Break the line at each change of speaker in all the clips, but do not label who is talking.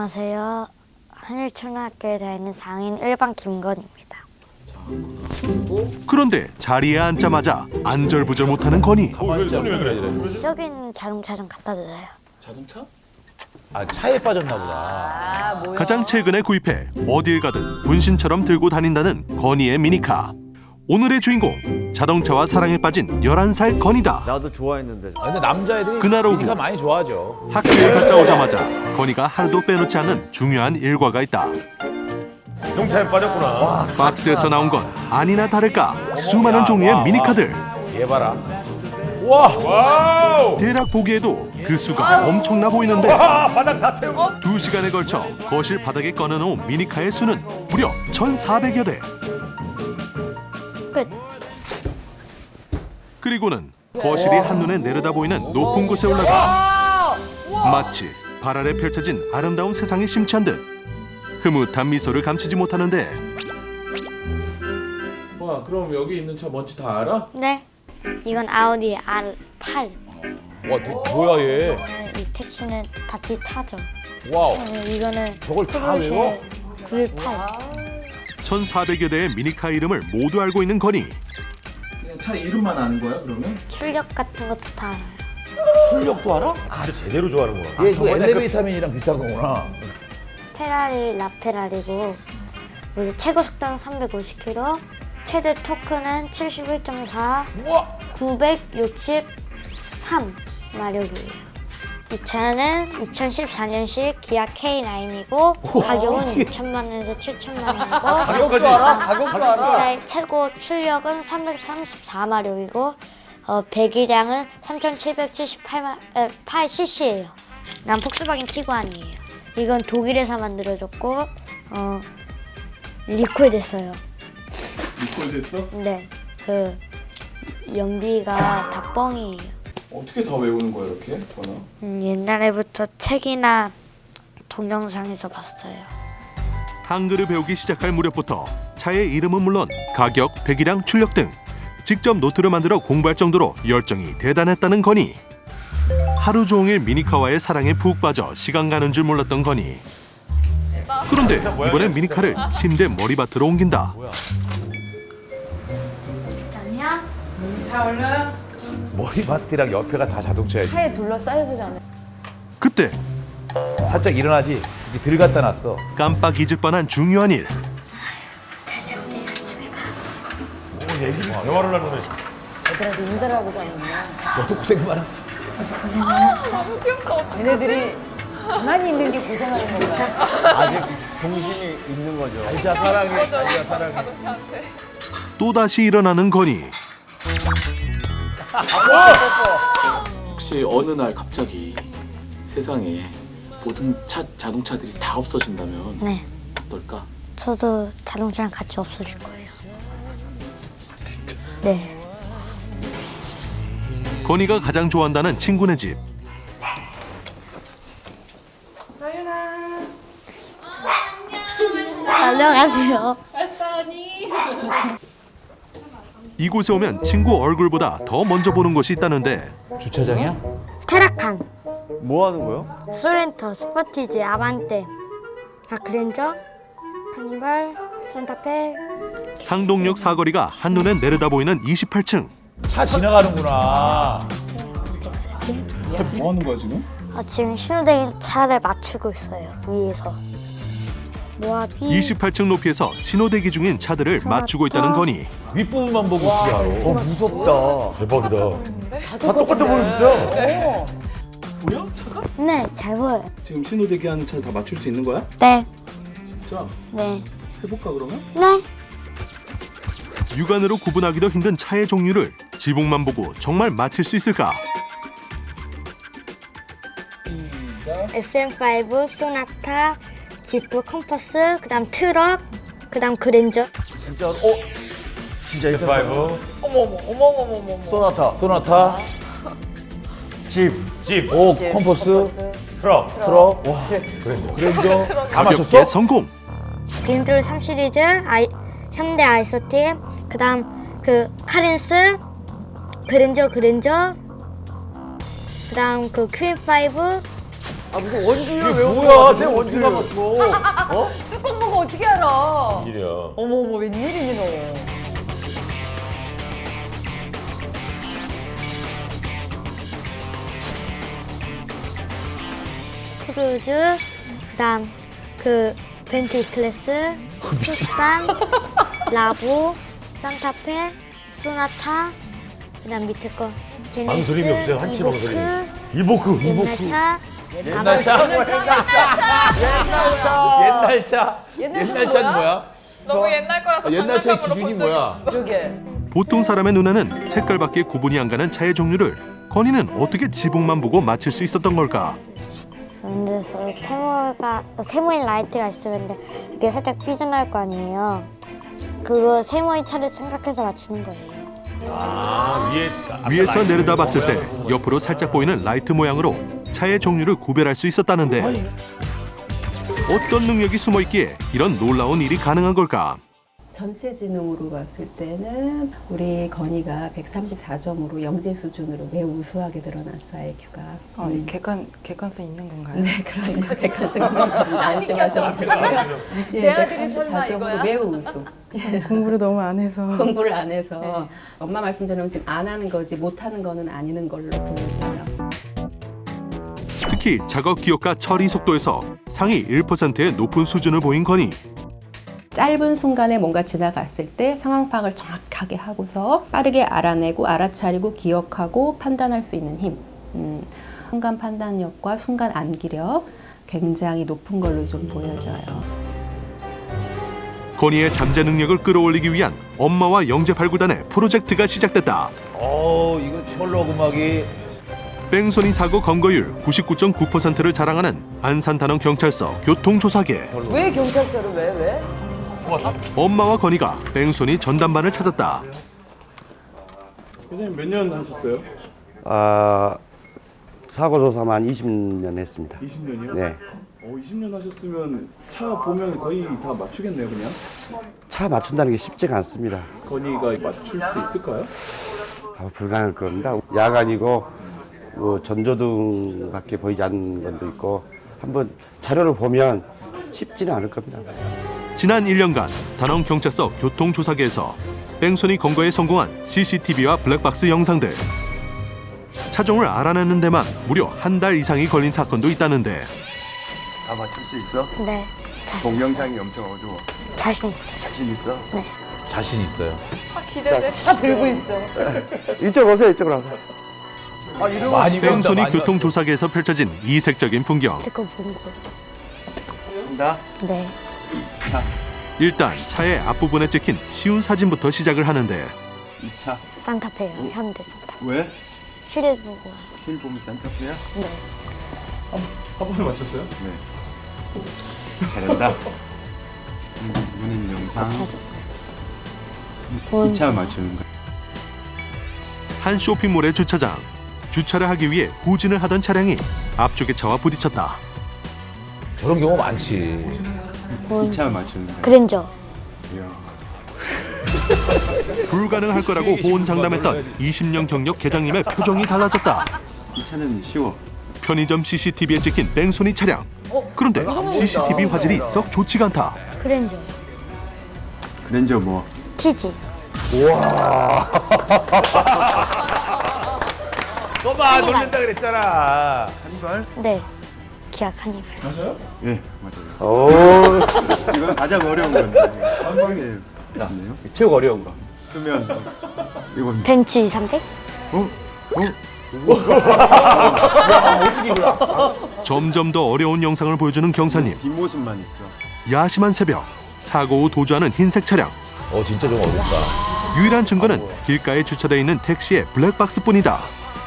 안녕하세요. 한일초등학교에 다니는 상인 1반 김건입니다.
그런데 자리에 앉자마자 안절부절 못하는 건이.
손이 왜 그래?
저기 있는 자동차 좀 갖다 주세요.
자동차? 아, 차에 빠졌나 보다.
가장 최근에 구입해 어딜 가든 분신처럼 들고 다닌다는 건이의 미니카. 오늘의 주인공, 자동차와 사랑에 빠진 11살 건이다.
나도 좋아했는데.
아, 근데 남자애들이
그날 오후.
미니카 많이 좋아하죠.
학교에 갔다 오자마자 건이가 하루도 빼놓지 않는 중요한 일과가 있다.
자동차에 빠졌구나.
박스에서 나온 건 아니나 다를까 수많은 종류의 미니카들.
얘 봐라. 와!
와우!
대략 보기에도 그 수가 엄청나 보이는데
아, 바닥 다 태우고.
2시간에 걸쳐 거실 바닥에 꺼내놓은 미니카의 수는 무려 1,400여 대.
끝.
그리고는 거실이 한눈에 내려다 보이는 높은 곳에 올라가 마치 발 아래 펼쳐진 아름다운 세상이 심취한 듯 흐뭇한 미소를 감추지 못하는데
와, 그럼 여기 있는 차 뭔지 다 알아?
네. 이건 아우디 R8.
와, 뭐야 얘?
이 택시는 다티 타죠.
와우.
이거는
저걸 다 외워?
98.
1,400여 대의 미니카 이름을 모두 알고 있는 건이.
그냥 차 이름만 아는 거야, 그러면?
출력 같은 것도 다 알아요.
출력도 알아?
진짜 제대로 좋아하는 거야.
얘 그 엘리베이터맨이랑 비슷한 거구나.
페라리 라페라리고 우리 최고 속도는 350km, 최대 토크는 71.4,
우와!
963 마력이에요. 이 차는 2014년식 기아 K9이고 가격은 6천만 원에서 7천만 원이고
가격까지.
가격도 알아. 이 차의 최고 출력은 334마력이고 배기량은 3,778cc예요. 난 폭스바겐 티구안이에요. 이건 독일에서 만들어졌고 리콜 됐어요.
리콜 됐어?
네, 그 연비가 다 뻥이에요.
어떻게 다 외우는 거야, 이렇게? 거나?
옛날에부터 책이나 동영상에서 봤어요.
한글을 배우기 시작할 무렵부터 차의 이름은 물론 가격, 배기량, 출력 등 직접 노트를 만들어 공부할 정도로 열정이 대단했다는 건이. 하루 종일 미니카와의 사랑에 푹 빠져 시간 가는 줄 몰랐던 건이. 그런데 이번엔 미니카를 침대 머리맡으로 옮긴다.
안녕.
머리맡이랑 옆에가 다 자동차야.
차에 둘러싸여서잖아요.
그때
살짝 일어나지. 이제 들 갖다 놨어.
깜빡 잊을 뻔한 중요한 일.
대화를 나누네.
애들한테 인사를 하고 자는구나.
너도 고생 많았어.
쟤네들이 가만히 있는 게 고생하는 건가요?
아직 동심이 있는 거죠.
진짜 사랑해. 진짜 사랑해.
또다시 일어나는 건이.
혹시 어느 날 갑자기 세상에 모든 자동차들이 다 없어진다면
네,
어떨까?
저도 자동차랑 같이 없어질 거예요. 진짜? 네.
건이가 가장 좋아한다는 친구네 집.
안녕하세요.
이곳에 오면 친구 얼굴보다 더 먼저 보는 곳이 있다는데
주차장이야?
테라칸,
뭐 하는 거요?
소렌토, 스포티지, 아반떼, 그랜저, 카니발, 산타페.
상동역 사거리가 한눈에 내려다 보이는 28층.
차 지나가는구나.
뭐 하는 거야, 지금?
지금 신호등인 차를 맞추고 있어요. 위에서. 모아비.
28층 높이에서 신호대기 중인 차들을 맞추고 있다는 건이.
윗부분만 보고 어떻게 알아?
무섭다.
대박이다. 다 똑같아 보여 진짜.
보여? 차가?
네, 잘 보여요.
지금 신호대기 하는 차 다 맞출 수 있는 거야?
네,
진짜?
네,
해볼까, 그러면?
네.
육안으로 구분하기도 힘든 차의 종류를 지붕만 보고 정말 맞힐 수 있을까?
SM5, 소나타, 지프, 컴퍼스, 그다음 트럭, 그다음 그랜저.
진짜 진짜 있어.
파이브.
소나타. 집.
집.
오, 컴퍼스,
트럭.
트럭. 와, 그랜저. 다
가볍게
맞췄어?
성공!
그랜저 3 시리즈, 현대 아이소팀, 그다음 그 카렌스, 그다음 그 Q5,
무슨 원주율
이게
외우고
뭐야?
왔는데,
내
원주율.
원주율 맞춰.
뚜껑 보고 어떻게 알아?
일이야.
어머 웬일이니 너.
크루즈, 그다음 그 벤츠 E클래스, 투싼, 라보, 산타페, 소나타, 그다음 밑에 거 제네시스,
망설임이 없어요. 한치
이보크,
이보크.
옛날 차,
옛날 차? 옛날 차? 옛날 차는 뭐야?
너무 옛날 거라서
옛날 차의
장난감으로
기준이
본 적이
뭐야?
그러게.
보통 사람의 눈에는 색깔밖에 구분이 안 가는 차의 종류를 건이는 어떻게 지붕만 보고 맞힐 수 있었던 걸까?
근데 세모인 라이트가 있으면 이게 살짝 삐져나올 거 아니에요. 그거 세모인 차를 생각해서 맞추는 거예요.
아,
위에서 내려다 봤을 때 옆으로 살짝 보이는 라이트 모양으로 차의 종류를 구별할 수 있었다는데 어떤 능력이 숨어 있기에 이런 놀라운 일이 가능한 걸까?
전체 지능으로 봤을 때는 우리 건이가 134점으로 영재 수준으로 매우 우수하게 드러났어, IQ가.
객관성 있는 건가요?
네, 그러니까 객관성 있는 겁니다. 안심하셔도 되고요.
내 아들이 설마
134점으로
이거야?
매우 우수.
공부를 너무 안 해서.
공부를 안 해서 엄마 말씀처럼 지금 안 하는 거지 못하는 거는 아니는 걸로 보여져요.
특히 작업 기억과 처리 속도에서 상위 1%의 높은 수준을 보인 건이
짧은 순간에 뭔가 지나갔을 때 상황 파악을 정확하게 하고서 빠르게 알아내고 알아차리고 기억하고 판단할 수 있는 힘. 순간 판단력과 순간 암기력 굉장히 높은 걸로 좀 보여져요.
건이의 잠재 능력을 끌어올리기 위한 엄마와 영재 발굴단의 프로젝트가 시작됐다.
이거 철로 음악이
뺑소니 사고 검거율 99.9%를 자랑하는 안산단원 경찰서 교통조사계.
왜 경찰서를 왜?
엄마와 건이가 뺑소니 전담반을 찾았다.
선생님 몇 년 하셨어요?
사고 조사만 20년 했습니다.
20년이요?
네.
20년 하셨으면 차 보면 거의 다 맞추겠네요, 그냥.
차 맞춘다는 게 쉽지가 않습니다.
건이가 맞출 수 있을까요?
불가능할 겁니다. 야간이고 뭐 전조등밖에 보이지 않는 건도 있고 한번 자료를 보면 쉽지는 않을 겁니다.
지난 1년간 단원 경찰서 교통조사계에서 뺑소니 검거에 성공한 CCTV와 블랙박스 영상들. 차종을 알아내는 데만 무려 한 달 이상이 걸린 사건도 있다는데
다 맞출 수 있어?
네,
동영상이 엄청 어두워.
자신 있어요.
자신 있어?
네.
자신 있어요.
기대돼.
차 들고 있어.
이쪽으로 오세요. 이쪽으로 와서. 이러면
많이 배운다,
뺑소니
많이
교통조사계에서 펼쳐진 이색적인 풍경.
그거 보는 거.
한다.
네.
일단 차의 앞부분에 찍힌 쉬운 사진부터 시작을 하는데
2차.
산타페요. 현대 산타.
왜?
휠을 보고.
휠 보면 산타페야?
네.
한 번에 맞췄어요?
네. 잘한다. 이번엔 영상.
차죠.
2차 맞추는 거.
한 쇼핑몰의 주차장. 주차를 하기 위해 후진을 하던 차량이 앞쪽의 차와 부딪혔다.
저런 경우 많지.
2차 맞추는 거.
그랜저.
이야.
불가능할 거라고 호언장담했던 20년 경력 계장님의 표정이 달라졌다.
2차는 쉬워.
편의점 CCTV에 찍힌 뺑소니 차량. 그런데 CCTV 화질이 썩 좋지가 않다.
그랜저.
그랜저 뭐?
TG.
너봐 놀린다 그랬잖아.
한발?
네. 기아 카니발.
맞아요?
예, 맞아요. 이건 가장 어려운 건데. 한 방에 나네요.
최고 어려운 거.
그러면 이건
벤츠 2300?
점점 더 어려운 영상을 보여주는 경사님.
뒷모습만 있어.
야심한 새벽. 사고 후 도주하는 흰색 차량.
진짜 좀 어렵다.
유일한 증거는 길가에 주차되어 있는 택시의 블랙박스뿐이다.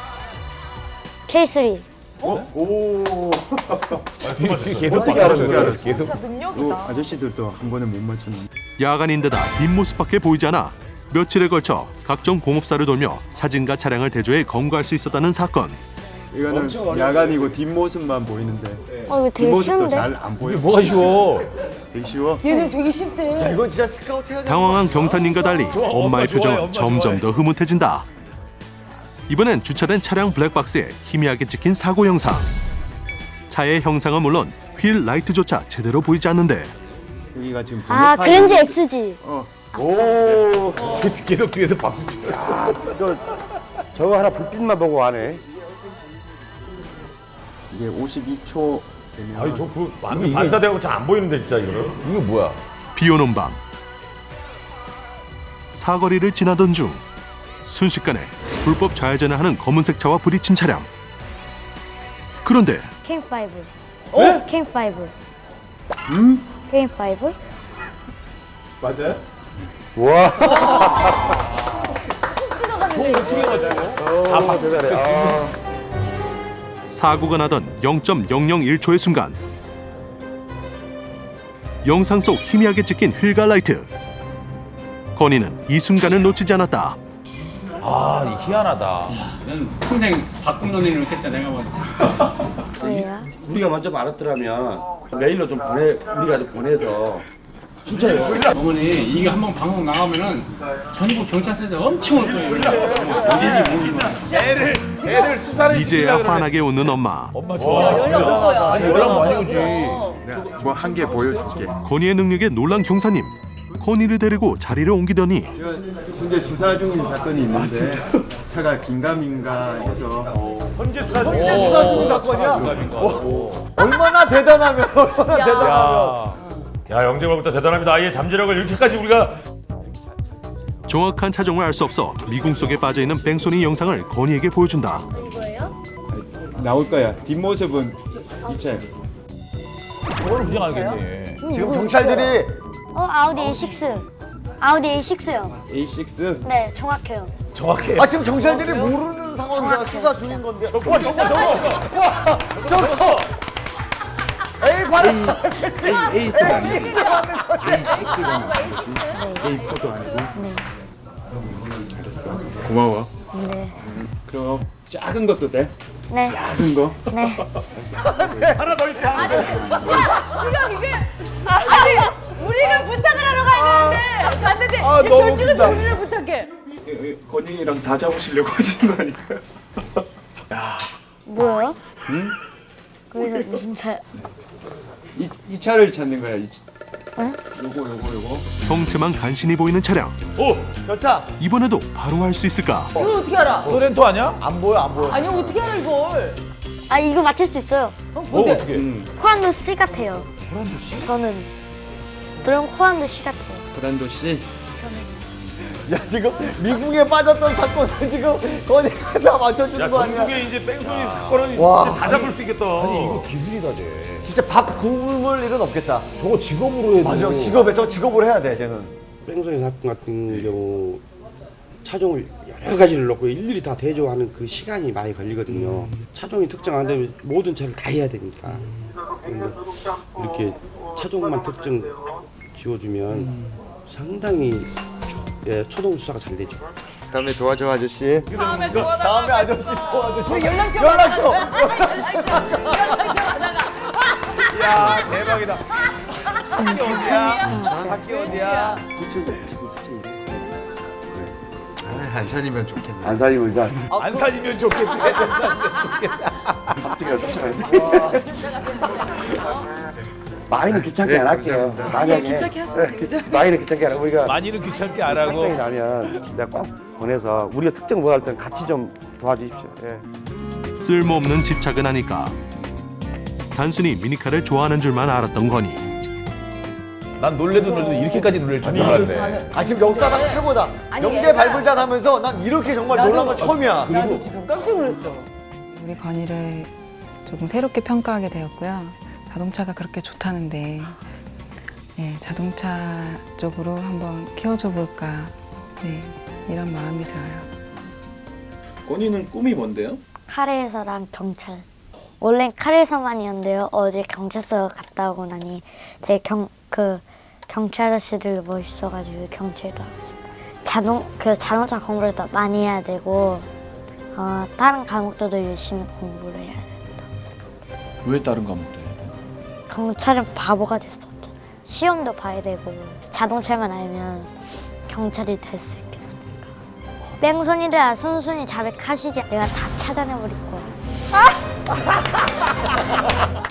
K3.
오.
계속
어떻게 알았어?
계속.
진짜 능력이다.
아저씨들도 한 번에 못 맞추는.
야간인데다 뒷모습밖에 보이지 않아 며칠에 걸쳐 각종 공업사를 돌며 사진과 차량을 대조해 검거할 수 있었다는 사건.
이거는 야간이고 뒷모습만 보이는데
이거 되게
뒷모습도
쉬운데?
잘 안 보여.
이게 뭐가 쉬워?
되게 쉬워.
얘는 되게 쉽대.
이건 진짜 스카우트 해야 돼.
당황한 경사님과 달리 엄마의 표정은 점점 더 흐뭇해진다. 이번엔 주차된 차량 블랙박스에 희미하게 찍힌 사고 영상. 차의 형상은 물론 휠 라이트조차 제대로 보이지 않는데
여기가 지금
아, 그랜저 XG.
오. 계속 뒤에서 박수 쳐.
저거 하나 불빛만 보고 하네.
이게 52초 되면
아니 저그 완전 반사되고 잘 안 보이는데 진짜 이거는. 이거 뭐야?
비 오는 밤 사거리를 지나던 중 순식간에 불법 좌회전을 하는 검은색 차와 부딪힌 차량. 그런데
캠5. 캠5. 캠5?
맞아요?
와.
어떻게 맞죠?
다 박대단해.
사고가 나던 0.001초의 순간 영상 속 희미하게 찍힌 휠과 라이트. 건이는 이 순간을 놓치지 않았다.
아, 희한하다.
난 평생 바꿈 논의를 했다 내가 봐도.
뭐야?
우리가 먼저 말았더라면 메일로 좀 우리가 좀 보내서 순찰했어.
어머니 이게 한번 방송 나가면은 전국 경찰서에서 엄청 올 거예요. 언제지 모르겠다.
애를 수사를
이제야 환하게 웃는 엄마.
엄마 좋아. 아니 연락 많이 오지.
뭐 한 개 보여줄게.
건이의 능력에 놀란 경사님. 건이를 데리고 자리를 옮기더니
현재 수사 중인 사건이 있는데 차가 긴가민가 해서
현재 수사
중인 사건이야? 얼마나 대단하면 얼마나 대단하면.
야 영재발부터 대단합니다. 아예 잠재력을 이렇게까지 우리가.
정확한 차종을 알 수 없어 미궁 속에 빠져있는 뺑소니 영상을 건이에게 보여준다.
나올 거야. 뒷모습은 이 차야.
저거는 그냥 알겠네.
지금 경찰들이
아우디 A6. 아우디 A6요.
A6.
네, 정확해요.
정확해.
아 지금 경찰들이 모르는 상황에서 수사 중인 건데. 와 저거. 에이 봐라.
A6가 아니고.
A4도 아니고.
네.
알았어. 고마워.
네.
그럼 작은 것도 돼?
네.
작은 거?
네.
하나 더 있다.
지금 이게 아니 우리가 부탁을 하러 가야 되는데 갔는데
너무
저쪽에서
웃기다.
우리를 부탁해.
건이랑 다 잡으시려고 하시는 거 아닐까요?
뭐요? 거기서 무슨 차?
이 차를 찾는 거야.
네?
요거.
형체만 간신히 보이는 차량.
오,
저 차.
이번에도 바로 할 수 있을까?
이걸 어떻게 알아?
소렌토 아니야?
안 보여 안 보여.
아니 어떻게 알아 이걸?
아, 이거 맞출 수 있어요.
뭔데?
어떻게?
호란도 C 같아요. 호란도 C? 저는 그런 호란도 C 같아요.
브란도 씨. 야 지금 미국에 빠졌던 사건을 지금 거기가 다 맞춰주는
야
거 아니야?
전국에 이제 뺑소니 사건은
와.
이제 다 잡을 수 있겠다.
아니 이거 기술이다 쟤.
진짜 밥 굶을 일은 없겠다.
저거 직업으로 해도.
맞아 저 직업으로 해야 돼 쟤는.
뺑소니 사건 같은 경우 차종을 여러 가지를 넣고 일일이 다 대조하는 그 시간이 많이 걸리거든요. 차종이 특정 안 되면 모든 차를 다 해야 되니까. 그런데 이렇게 차종만 특정 지워주면 상당히 초동 수사가 잘 되죠.
다음에 도와줘 아저씨.
다음에 도와달라.
다음에 아저씨 도와줘.
왜 연락처
연락처.
야 대박이다.
학교 어디야?
한산이면 좋겠네.
안 살리면 일단
안 살리면 좋겠대.
갑자기 쫓아가야 많이는 귀찮게 안 할게요. 만약에
귀찮게 하셔도 됩니다.
많이는 귀찮게 안 하고 우리가
많이는 귀찮게 안
특정이
하고.
나면 내가 꼭 보내서 우리가 특정 못할 땐 같이 좀 도와주십시오. 예.
쓸모없는 집착은 아닐까. 단순히 미니카를 좋아하는 줄만 알았던 건이.
난 놀래도 이렇게까지 놀랄 줄 몰랐네.
아 지금 역사상 최고다.
아니,
영재
얘가-
발굴단 하면서 난 이렇게 정말 놀란 건 처음이야.
나도 지금 깜짝 놀랐어.
우리 건이를 조금 새롭게 평가하게 되었고요. 자동차가 그렇게 좋다는데 자동차 쪽으로 한번 키워줘 볼까 이런 마음이 들어요.
건이는 꿈이 뭔데요?
카레에서랑 경찰. 원래 카레에서만이었는데요. 어제 경찰서 갔다 오고 나니 되게 경찰 아저씨들 멋있어가지고 경찰도 하고 싶어요. 자동차 공부를 더 많이 해야 되고 다른 과목도 더 열심히 공부를 해야 된다.
왜 다른 과목도 해야 돼?
경찰은 바보가 됐었죠. 시험도 봐야 되고 자동차만 알면 경찰이 될 수 있겠습니까? 뺑소니를 순순히 잘 가시지 내가 다 찾아내버릴 거야.